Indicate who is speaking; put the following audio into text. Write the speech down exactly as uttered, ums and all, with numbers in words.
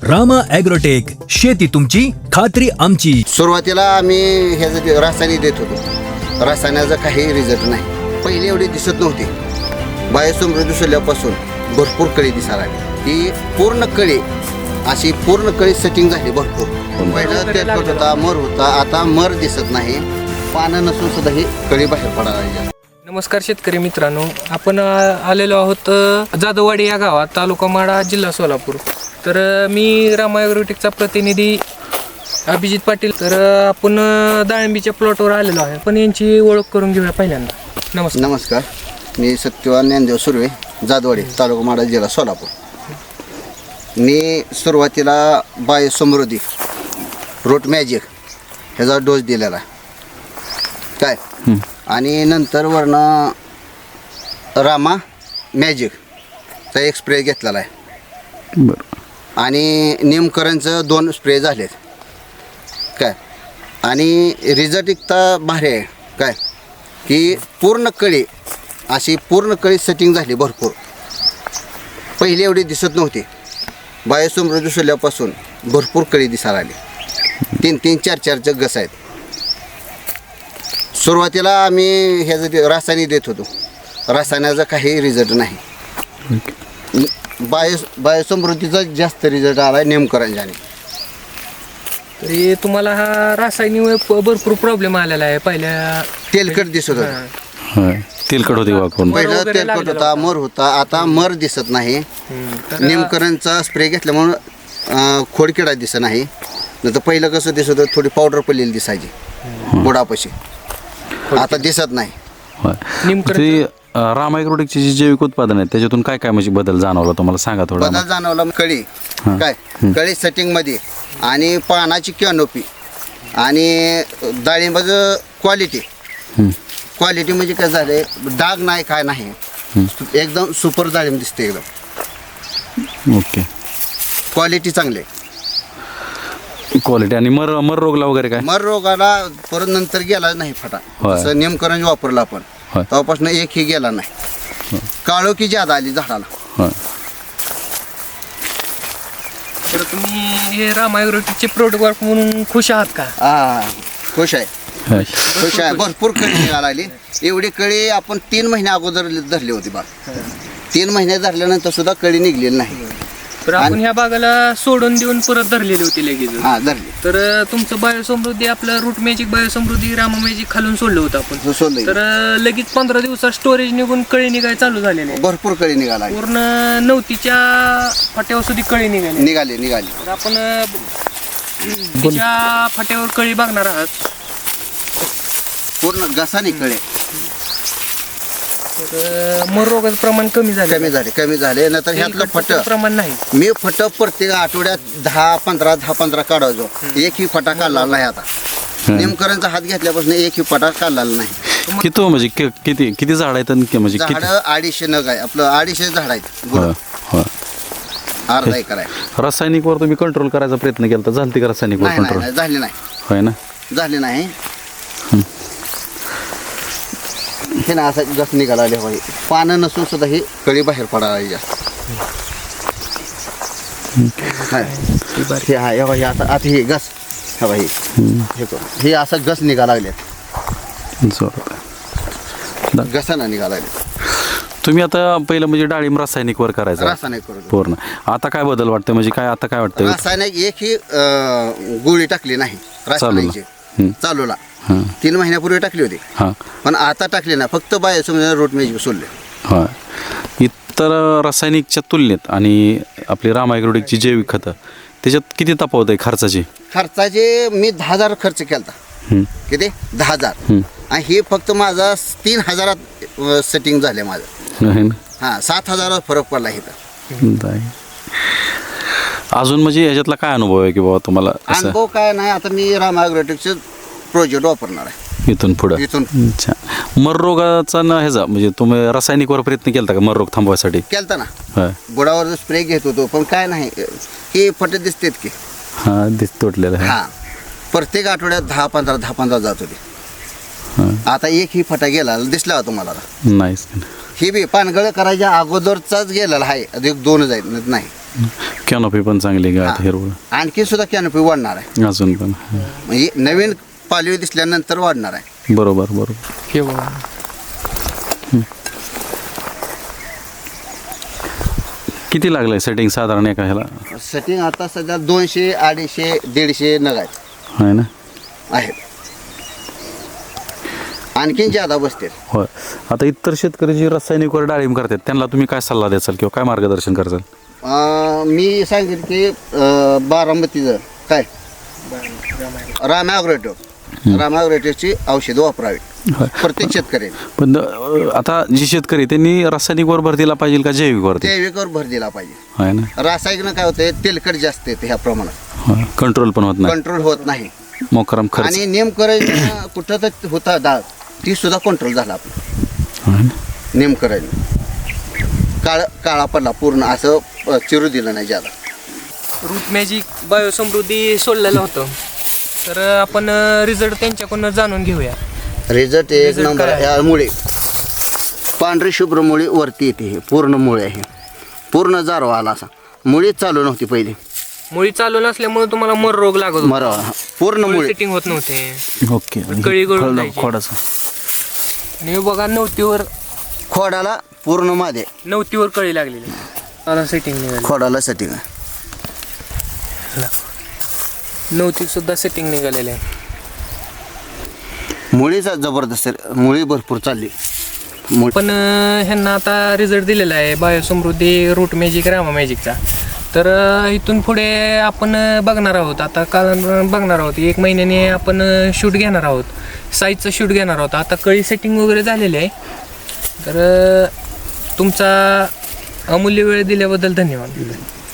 Speaker 1: Rama agrotech, शेती तुमची खात्री आमची.
Speaker 2: सुरुवातीला आम्ही ह्याचं रासायनिक देत होतो. रासायनाचा काही रिझल्ट नाही. पहिले एवढी दिसत नव्हती. बायोसमृद्धी सोडल्यापासून भरपूर कळी दिसायला लागली. ही पूर्ण कळी अशी पूर्ण कळी सेटिंग झाली भरपूर. पहिलं तेलकट होता, मर होता, आता मर दिसत नाही. पानं नसून सुद्धा ही कळी बाहेर पडायला लागली.
Speaker 3: नमस्कार शेतकरी मित्रांनो, आपण आलेलो आहोत जाधववाडी या गावात, तालुका माढा, जिल्हा सोलापूर. तर मी रामा ॲग्रोटेकचा प्रतिनिधी अभिजित पाटील. तर आपण डाळिंबीच्या प्लॉटवर आलेलो आहे. पण यांची ओळख करून घेऊया पहिल्यांदा. नमस्कार.
Speaker 2: नमस्कार, मी सत्यवान ज्ञानदेव सुर्वे, जाधववाडी, तालुका माढा, जिल्हा सोलापूर. मी सुरुवातीला बायोसमृद्धी रूट मॅजिक ह्याचा डोस दिलेला आहे काय, आणि नंतर वरनं रामा मॅजिकचा एक स्प्रे घेतलेला आहे.
Speaker 4: बरं.
Speaker 2: आणि निमकरणचं दोन स्प्रे झालेत काय. आणि रिझल्ट इतका भारी आहे काय की पूर्ण कळी अशी पूर्ण कळी सेटिंग झाली भरपूर. पहिली एवढी दिसत नव्हती. बायोसमृद्धी सोडल्यापासून भरपूर कळी दिसायला आली. तीन तीन चार चारचे गस आहेत. सुरुवातीला आम्ही ह्याचं रासायनिक देत होतो. रासायनाचा काही रिझल्ट नाही. बायो बायोसमृद्धीचा जास्त रिझल्ट आला आहे नेमकरंजाने.
Speaker 3: तरी तुम्हाला हा रासायनिक भरपूर प्रॉब्लेम आलेला आहे. पहिल्या
Speaker 2: तेलकट दिसत होतं.
Speaker 4: होय. तेलकट होते वापरून.
Speaker 2: पहिलं तेलकट होता, मर होता, आता मर दिसत नाही. नेमकरणचा स्प्रे घेतल्यामुळं खोडकिडा दिसत नाही. नाही तर पहिलं कसं दिसत होतं, थोडी पावडर पडलेली दिसायची बुडापाशी. आता दिसत नाही.
Speaker 4: होय. ते रामा ॲग्रोटेकची जी जैविक उत्पादन आहे त्याच्यातून काय काय म्हणजे बदल जाणवला तुम्हाला सांगा थोडा.
Speaker 2: बदल जाणवला कळी काय, कळी सेटिंग मध्ये आणि पानाची कॅनोपी आणि डाळिंबाचं क्वालिटी. क्वालिटी म्हणजे काय झालंय, डाग नाही काय नाही, एकदम सुपर डाळिंब दिसते एकदम.
Speaker 4: ओके.
Speaker 2: क्वालिटी चांगली आहे.
Speaker 4: क्वालिटी. आणि मर मर रोगला वगैरे काय?
Speaker 2: मर रोगाला परत नंतर गेला नाही फटा.
Speaker 4: होय.
Speaker 2: जसं नेमकरण वापरलं आपण
Speaker 4: होय.
Speaker 2: तेव्हापासून एकही गेला नाही. काळोखी ज्यादा आली झाडाला.
Speaker 4: होय.
Speaker 3: तर तुम्ही हे रामा ॲग्रोटेकचे प्रोडक्ट वापर म्हणून खुश आहात का?
Speaker 2: हा, खुश आहे.
Speaker 4: होय.
Speaker 2: खुश आहे. भरपूर कळी निघायला लागली. एवढी कळी आपण तीन महिन्या अगोदर धरली होती बा. तीन महिने धरल्यानंतर सुद्धा कळी निघलेली नाही.
Speaker 3: तर आपण ह्या बागाला सोडून देऊन परत धरलेली होती लगेच.
Speaker 2: हा, धरली.
Speaker 3: तर तुमचं बायोसमृद्धी, आपलं root magic Biosamruddhi, Rama magic खालून सोडलं होतं आपण.
Speaker 2: सोडलं.
Speaker 3: तर लगेच पंधरा दिवसात स्टोरेज निघून कळी निघाय चालू झालेले आहे.
Speaker 2: भरपूर कळी निघाला लागली.
Speaker 3: पूर्ण नवतीच्या फाट्यावर सुद्धा कळी निघाली.
Speaker 2: निघाली निघाली
Speaker 3: तर आपण तिच्या फाट्यावर कळी बघणार आहात.
Speaker 2: पूर्ण गसानी कळे
Speaker 3: तर मर रोगाचं प्रमाण कमी झालं.
Speaker 2: कमी झाले कमी झाले नंतर ह्यातलं फट
Speaker 3: प्रमाण नाही.
Speaker 2: मी फट प्रत्येक आठवड्यात दहा पंधरा दहा पंधरा काढायचो. एकही फटा काढला नाही. आता नेमकरणचा हात घेतल्यापासून एकही फटा काढला नाही.
Speaker 4: किती म्हणजे कि- किती किती झाड आहेत आणि कि- म्हणजे किती?
Speaker 2: झाड अडीचशे नग आहे. आपलं अडीचशे झाड आहेत.
Speaker 4: होय. होय.
Speaker 2: अर्धा एकर आहे.
Speaker 4: रासायनिकवर तुम्ही कंट्रोल करायचा प्रयत्न केला तर झालती का रासायनिकवर
Speaker 2: नाही नाही
Speaker 4: कंट्रोल?
Speaker 2: नाही, झाली नाही
Speaker 4: होय ना.
Speaker 2: झाली नाही. हे ना असं जास्त निघाला आले बाई. पानं नसून सुद्धा ही कळी बाहेर पडायला लागली जास्त. हाय. हे हा हे बघा, हे आता आता हे गस हा बाई हे बघ, हे असं गस निघाला लागले.
Speaker 4: जोरात.
Speaker 2: गसाना निघाला लागले.
Speaker 4: तुम्ही आता पहिलं म्हणजे डाळिंब रासायनिकवर करायचं
Speaker 2: रासायनिक करून
Speaker 4: पूर्ण. आता काय बदल वाटतं म्हणजे काय आता काय वाटतं?
Speaker 2: रासायनिक एक ही अं, गोळी टाकली नाही रासायनिकची.
Speaker 4: हं.
Speaker 2: चालूला
Speaker 4: हां
Speaker 2: तीन महिन्यापूर्वी टाकली होती.
Speaker 4: हां
Speaker 2: पण आता टाकली नाही. फक्त बाय समजा रोट मॅजिक सोडले.
Speaker 4: हां. इतर रासायनिकच्या तुलनेत आणि आपली रामा ॲग्रोटेकची जैविक खतं त्याच्यात किती तफावत आहे खर्चाची?
Speaker 2: खर्चाचे मी दहा हजार खर्च केला.
Speaker 4: हं.
Speaker 2: किती? दहा हजार.
Speaker 4: हं.
Speaker 2: आणि हे फक्त माझा तीन हजारात सेटिंग झाले माझं.
Speaker 4: आहे ना?
Speaker 2: हां, सात हजारात फरक पडला इथं.
Speaker 4: नाही. अजून म्हणजे ह्याच्यातला काय अनुभव आहे की बाबा तुम्हाला असं
Speaker 2: अनुभव काय नाही. आता मी रामा ॲग्रोटेकचं प्रोजेक्ट वापरणार आहे
Speaker 4: इथून पुढं?
Speaker 2: इथून
Speaker 4: अच्छा. मर रोगाचा ना ह्याचा म्हणजे तुम्ही रासायनिकवर प्रयत्न केला का मर रोग थांबवायसाठी?
Speaker 2: केलता ना.
Speaker 4: होय.
Speaker 2: बुडावर स्प्रे घेत होतो पण काय नाही, हे फट दिसतेत की.
Speaker 4: हां दिस तुटलेलं आहे.
Speaker 2: हां, प्रत्येक आठवड्यात दहा पंधरा दहा पंधरा जात होते.
Speaker 4: हां.
Speaker 2: आता एक ही फटा गेला दिसला होता तुम्हाला.
Speaker 4: नाहीच.
Speaker 2: ही बी पानगळ करायच्या अगोदरचाच गेलेला आहे. अधिक दोन जाईल नाही.
Speaker 4: कॅनोपी पण चांगली गाठ हिरवळ
Speaker 2: आणखी सुद्धा कॅनोपी वाढणार आहे
Speaker 4: अजून पण
Speaker 2: म्हणजे नवीन पालवी दिसल्यानंतर वाढणार आहे.
Speaker 4: बरोबर बरोबर.
Speaker 3: हे बघा.
Speaker 4: किती लागलंय सेटिंग साधारण एका ह्याला
Speaker 2: सेटिंग आता सध्या दोनशे अडीचशे दीडशे नग आहेत
Speaker 4: आहे ना?
Speaker 2: आहेत आणखीन ज्यादा बसते.
Speaker 4: होय. आता इतर शेतकरी जे रासायनिकवर डाळिंब करतात त्यांना तुम्ही काय सल्ला द्याल किंवा काय मार्गदर्शन कराल?
Speaker 2: मी सांगेन की अं, बारामतीचं काय राम ॲग्रोटेक राम ॲग्रोटेकची औषधं वापरावी प्रत्येक शेतकरी.
Speaker 4: पण अं, आता जे शेतकरी त्यांनी रासायनिकवर भर दिला पाहिजे का जैविकवर?
Speaker 2: जैविकवर भर दिला पाहिजे.
Speaker 4: आहे ना?
Speaker 2: रासायनिक काय होते तेलकट जास्त येते ह्या प्रमाणात
Speaker 4: कंट्रोल पण होत नाही,
Speaker 2: कंट्रोल होत नाही.
Speaker 4: मोकराम खर्च
Speaker 2: आणि नेमकरण कुठं तर होता डाळ ती सुद्धा कंट्रोल झाला आपला.
Speaker 4: आहे ना?
Speaker 2: नेमकरण काळ काळा पडला पूर्ण असं अ, चिरू दिलं नाही ज्यादा.
Speaker 3: रूट मॅजिक बायोसमृद्धी सोडलेलं होतं तर आपण रिझल्ट त्यांच्याकडून जाणून घेऊया.
Speaker 2: रिझल्ट एक
Speaker 3: Result
Speaker 2: नंबर
Speaker 3: काय आहे?
Speaker 2: आहे. मुळे पांढरी शुभ्र मुळी वरती येते. हे पूर्ण मुळे आहे, पूर्ण जारवा आला असा. मुळीच चालू नव्हती पहिली,
Speaker 3: मुळी चालू नसल्यामुळे तुम्हाला मर रोग लागत होता.
Speaker 2: मरावा पूर्ण मुळे
Speaker 3: सेटिंग होत नव्हते.
Speaker 4: ओके.
Speaker 3: कळी गळून
Speaker 4: फळ-
Speaker 3: जायची.
Speaker 4: खोडाचं
Speaker 3: आणि हे बघा नवतीवर
Speaker 2: खोडाला पूर्ण मध्ये
Speaker 3: नवतीवर कळी लागलेली. मला सेटिंग निघाली.
Speaker 2: खोडाला सेटिंग आहे.
Speaker 3: नवती सुद्धा सेटिंग निघालेली आहे.
Speaker 2: मुळीचा जबरदस्त आहे. मुळी भरपूर चालली. मुळी
Speaker 3: पण अं, ह्यांना आता रिझल्ट दिलेला आहे बायोसमृद्धी रूट मॅजिक रामा मॅजिकचा. तर अं, इथून पुढे आपण अं, बघणार आहोत. आता काल बघणार आहोत एक महिन्याने आपण शूट घेणार आहोत, साईजचं शूट घेणार आहोत. आता कळी सेटिंग वगैरे झालेली आहे. तर अं, तुमचा अमूल्य वेळ दिल्याबद्दल धन्यवाद.